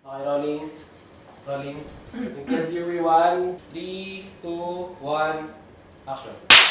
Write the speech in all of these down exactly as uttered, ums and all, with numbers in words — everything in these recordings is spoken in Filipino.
Okay, rolling. Rolling. Interview one, three, two, one, action.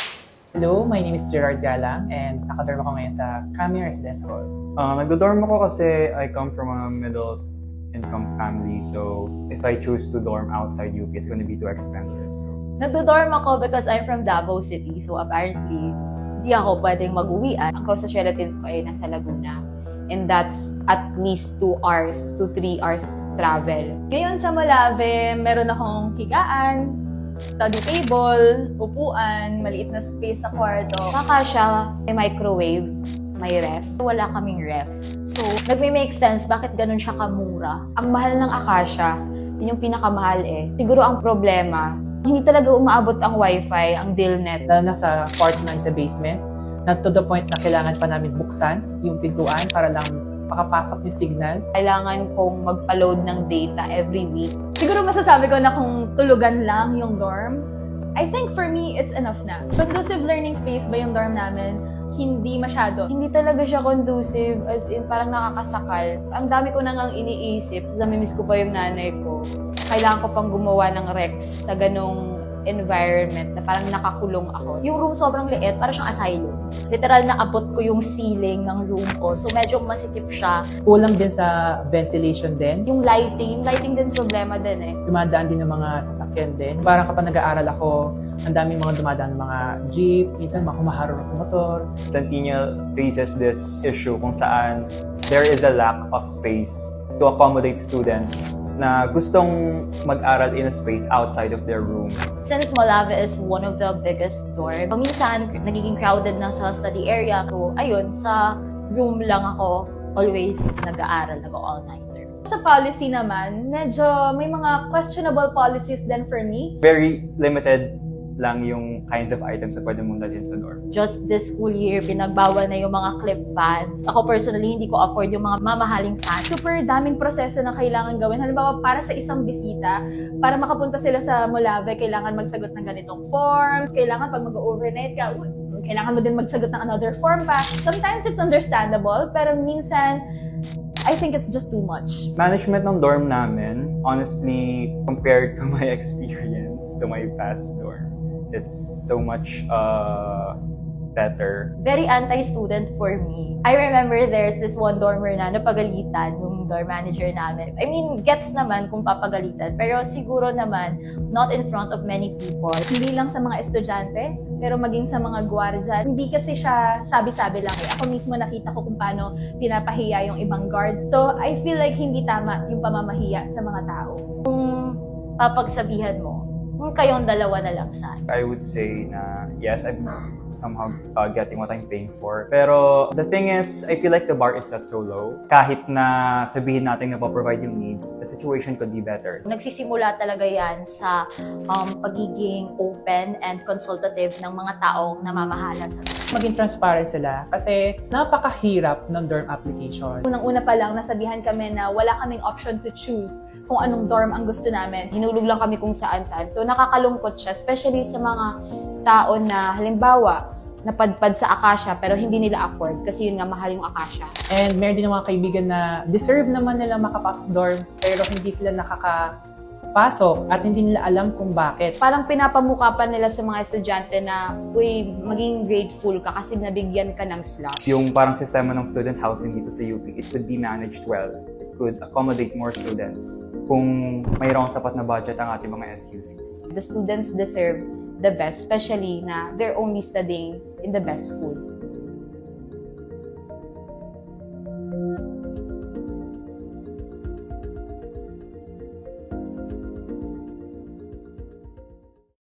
Hello, my name is Gerard Galang and nakadorm ako ngayon sa Kami Residence Hall. Uh, nagdo-dorm ako kasi I come from a middle income family, so if I choose to dorm outside U P, it's gonna be too expensive. So Nagdo-dorm ako because I'm from Davao City, so apparently hindi ako pwedeng mag-uwian. Ang closest relatives ko ay nasa Laguna. And that's at least two hours to three hours travel. Ngayon sa Malave, meron akong higaan, study table, upuan, maliit na space sa kwarto. Kakasya, may microwave, may ref. Wala kaming ref. So, nagme-make sense bakit ganun siya kamura. Ang mahal ng Akasya, yun yung pinakamahal eh. Siguro ang problema, hindi talaga umaabot ang wifi, ang DILNet. Lalo na sa part nine sa basement, na to the point na kailangan pa namin buksan yung pintuan para lang makapasok yung signal. Kailangan kong magpa-load ng data every week. Siguro masasabi ko na kung tulugan lang yung dorm, I think for me, it's enough na. Conducive learning space ba yung dorm namin? Hindi masyado. Hindi talaga siya conducive, as in parang nakakasakal. Ang dami ko nang iniisip, namimiss ko pa yung nanay ko. Kailangan ko pang gumawa ng Rex sa ganong environment na parang nakakulong ako. Yung room sobrang liit, parang siyang asylum. Literal na abot ko yung ceiling ng room ko. So medyo masikip siya. Kulang din sa ventilation din. Yung lighting, yung lighting din problema din eh. Dumadaan din ng mga sasakyan din. Parang kapag nag-aaral ako, ang daming mga dumadaan ng mga jeep, minsan mga kumaharap ng motor. Centennial faces this issue kung saan there is a lack of space to accommodate students na gustong mag-aral in a space outside of their room. Since Malave is one of the biggest dorm, minsan nagiging crowded na sa study area. So, ayun, sa room lang ako always nag-aaral, nag-all-nighter. Sa policy naman, medyo may mga questionable policies din for me. Very limited lang yung kinds of items na pwede mong dalhin sa dorm. Just this school year, pinagbawal na yung mga clip fans. Ako personally, hindi ko afford yung mga mamahaling fans. Super daming proseso na kailangan gawin. Halimbawa, para sa isang bisita, para makapunta sila sa Malave, kailangan magsagot ng ganitong forms. Kailangan pag mag-overnight ka, uy, kailangan mo din magsagot ng another form pa. Sometimes it's understandable, pero minsan, I think it's just too much. Management ng dorm namin, honestly, compared to my experience, to my past dorm, it's so much uh, better. Very anti-student for me. I remember there's this one dormer na napagalitan yung dorm manager namin. I mean, gets naman kung papagalitan, pero siguro naman not in front of many people. Hindi lang sa mga estudyante, pero maging sa mga gwardiya. Hindi kasi siya sabi-sabi lang eh. Ako mismo nakita ko kung paano pinapahiya yung ibang guards. So, I feel like hindi tama yung pamamahiya sa mga tao. Kung papagsabihan mo, kung kayong dalawa na lang sana. I would say na yes, I'm somehow uh, getting what I'm paying for. Pero the thing is, I feel like the bar is set so low. Kahit na sabihin natin na provide yung needs, the situation could be better. Nagsisimula talaga yan sa um, pagiging open and consultative ng mga taong namamahala sa Maging transparent sila kasi napakahirap ng dorm application. Unang-una pa lang, nasabihan kami na wala kaming option to choose kung anong dorm ang gusto namin. Hinulog lang kami kung saan-saan. So nakakalungkot siya, especially sa mga tao na halimbawa, napadpad sa Akasya pero hindi nila afford kasi yun nga mahal yung Akasya. And meron din mga kaibigan na deserve naman nila makapasok sa dorm pero hindi sila nakakapasok at hindi nila alam kung bakit. Parang pinapamukha pa nila sa mga estudyante na, uy, maging grateful ka kasi nabigyan ka ng slot. Yung parang sistema ng student housing dito sa U P, it could be managed well. It could accommodate more students kung mayroong sapat na budget ang ating mga S U Cs. The students deserve the best, especially na they're only studying in the best school.